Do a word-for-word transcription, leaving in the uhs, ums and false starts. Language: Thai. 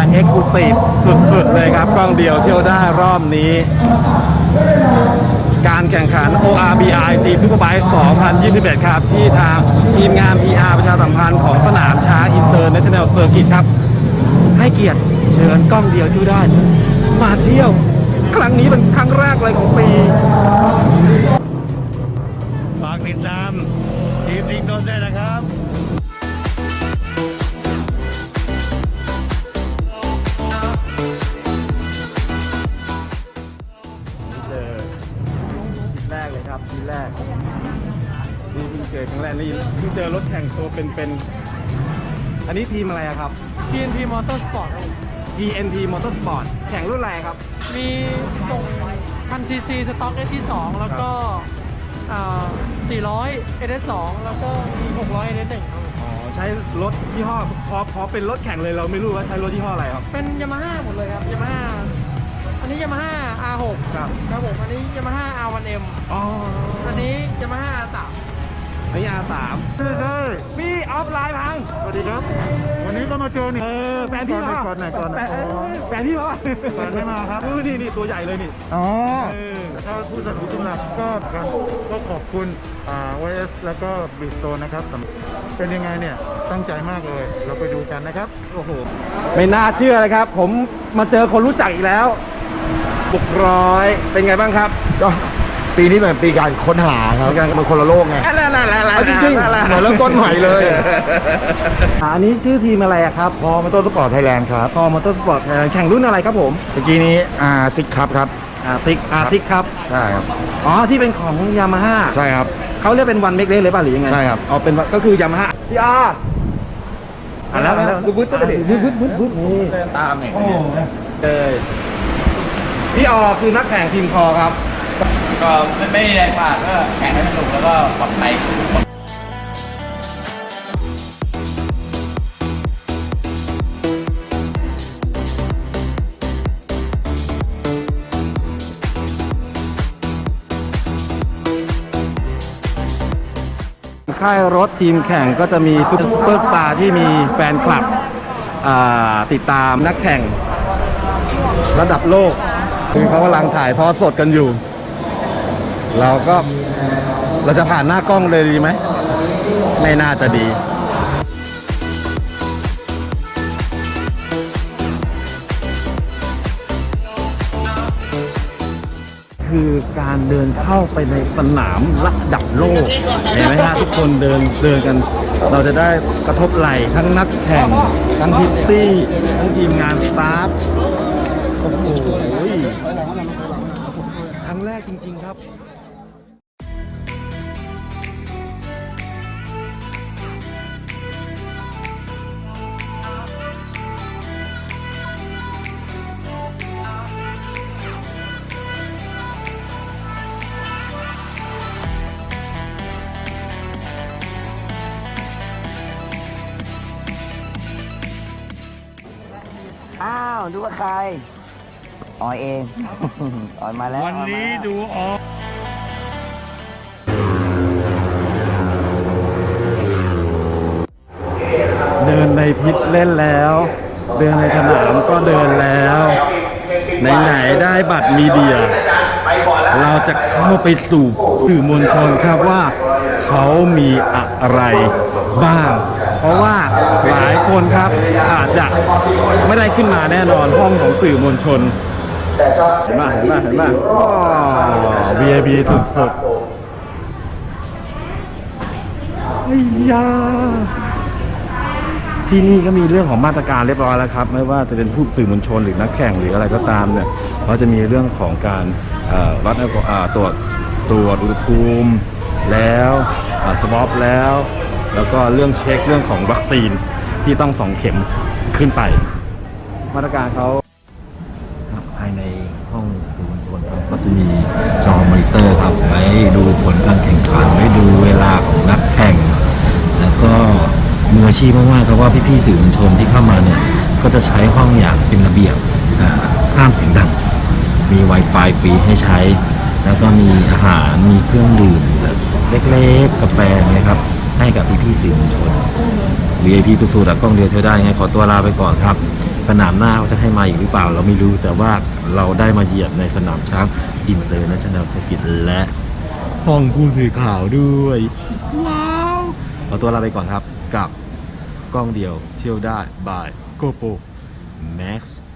เอ็กซ์คลูซีฟสุดๆเลยครับกล้องเดียวเที่ยวได้รอบนี้ การแข่งขัน โอ อาร์ บี อาร์ ซี Superbike สองพันยี่สิบเอ็ด ครับที่ทางทีมงาน พี อาร์ ประชาสัมพันธ์ของสนามช้างอินเตอร์เนชั่นแนลเซอร์กิตครับให้เกียรติเชิญกล้องเดียวช่วยได้มาเที่ยวครั้งนี้เป็นครั้งแรกเลยของปีฝากติดตามทีมลิงโดนได้นะครับเจอทีแรกเลยครับทีแรกนี่เพิ่งเจอครั้งแรกนี่เพิ่งเจอรถแข่งตัวเป็นๆอันนี้ทีมอะไรครับที เอ็น พี Motorsport ครับที เอ็น พี Motorsport แข่งรุ่นอะไรครับมีตรงพันซีซีสต็อก เอส ที สองแล้วก็สี่ร้อย เอส เอส สองแล้วก็มีหกร้อย เอส เอส หนึ่งครับอ๋อใช้รถยี่ห้อพอพอเป็นรถแข่งเลยเราไม่รู้ว่าใช้รถยี่ห้ออะไรครับเป็น Yamaha หมดเลยครับ Yamaha อันนี้ Yamaha อาร์ หกครับครับผมอันนี้ Yamaha อาร์ วัน เอ็มอ๋ออันนี้ Yamaha อาร์ สามอันนี้ อาร์ สามใช่พี่ออฟไลน์พังสวัสดีครับวันนี้ก็มาเจอนี่เออแฟนพี่มาก่อนไหนก่อนไหนแฟนพี่มาแฟนไม่มาครับนี่นี่ตัวใหญ่เลยนี่อ๋อถ้าผู้สนับสนุนหลักก็ก็ขอบคุณอ่า วาย เอส แล้วก็บิสโตนนะครับเป็นยังไงเนี่ยตั้งใจมากเลยเราไปดูกันนะครับโอ้โหไม่น่าเชื่อเลยครับผมมาเจอคนรู้จักอีกแล้วบุกร้อยเป็นไงบ้างครับก็ปีนี้เป็นปีการค้นหาครับมันคนละโลกไงจริงๆเหมือนเริ่มต้นใหม่เลยอันนี้ชื่อทีมอะไรครับพอมอเตอร์สปอร์ตไทยแลนด์ครับพอมอเตอร์สปอร์ตไทยแลนด์แข่งรุ่นอะไรครับผมเมื่อกี้นี้อาร์ซิกครับครับอาร์ติกอาร์ติกครับใช่ครับอ๋อที่เป็นของยามาฮ่าใช่ครับเขาเรียกเป็นวันเมกเล็กเลยป่ะหรือยังไงใช่ครับเอาเป็นก็คือยามาฮ่าพี่อาร์อ่ะแล้วบึ้บบึ้บบึ้บบึ้บบึ้บบึ้บนี่ตามเนี่ยเลยพี่ออคือนักแข่งทีมคอครับก็ไม่ไม่แรงมากก็แข่งให้สนุกแล้วก็ปลอดภัยค่ายรถทีมแข่งก็จะมีซุปเปอร์สตาร์ที่มีแฟนคลับติดตามนักแข่งระดับโลกคือเขากำลังถ่ายทอดสดกันอยู่เราก็เราจะผ่านหน้ากล้องเลยดีไหมไม่น่าจะดีคือการเดินเข้าไปในสนามระดับโลกเห็นไหมฮะทุกคนเดินเดินกันเราจะได้กระทบไหล่ทั้งนักแข่งทั้งพิตตี้ทั้งทีมงานสตาฟโอ้โหครั้งแรกจริงๆครับอ้าวดูว่าใครออยเอง ออยมาแล้ววันนี้ดูออกเดินในพิษเล่นแล้วเดินในสนามก็เดินแล้วไหนๆได้บัตรมีเดียเราจะเข้าไปสู่สื่อมวลชนครับว่าเขามีอะไรบ้างเพราะว่าหลายคนครับอาจจะไม่ได้ขึ้นมาแน่นอนห้องของสื่อมวลชนเห็นไหมเห็นไหมเห็นไหมอ๋อ วี ไอ พี สุดๆไอ้ยาที่นี่ก็มีเรื่องของมาตรการเรียบร้อยแล้วครับไม่ว่าจะเป็นผู้สื่อมวลชนหรือนักแข่งหรืออะไรก็ตามเนี่ยเขาจะมีเรื่องของการวัดตรวจตรวจอุณหภูมิแล้วสวอปแล้วแล้วก็เรื่องเช็คเรื่องของวัคซีนที่ต้องสองเข็มขึ้นไปมาตรการเขาภายในห้องสื่อมวลชนครับก็จะมีจอมอนิเตอร์ครับไว้ดูผลการแข่งขันไว้ดูเวลาของนักแข่งแล้วก็มืออาชีพมากๆครับว่าพี่ๆสื่อมวลชนที่เข้ามาเนี่ยก็จะใช้ห้องอย่างเป็นระเบียบห้ามเสียงดังมี Wi-Fi ฟรีให้ใช้แล้วก็มีอาหารมีเครื่องดื่มแบบเล็กๆกาแฟนะครับให้กับพี่ๆสื่อมวลชน วี ไอ พี สุดๆกล้องเดียวเท่าได้ไงขอตัวลาไปก่อนครับไปสนามหน้าเขาจะให้มาอีกหรือเปล่าเราไม่รู้แต่ว่าเราได้มาเหยียบในสนามช้างอินเตอร์เนชั่นแนลเซอร์กิตและห้องผู้สื่อข่าวด้วยว้าวเอาตัวลาไปก่อนครับกับกล้องเดียวเที่ยวได้บายโกโปรแม็กซ์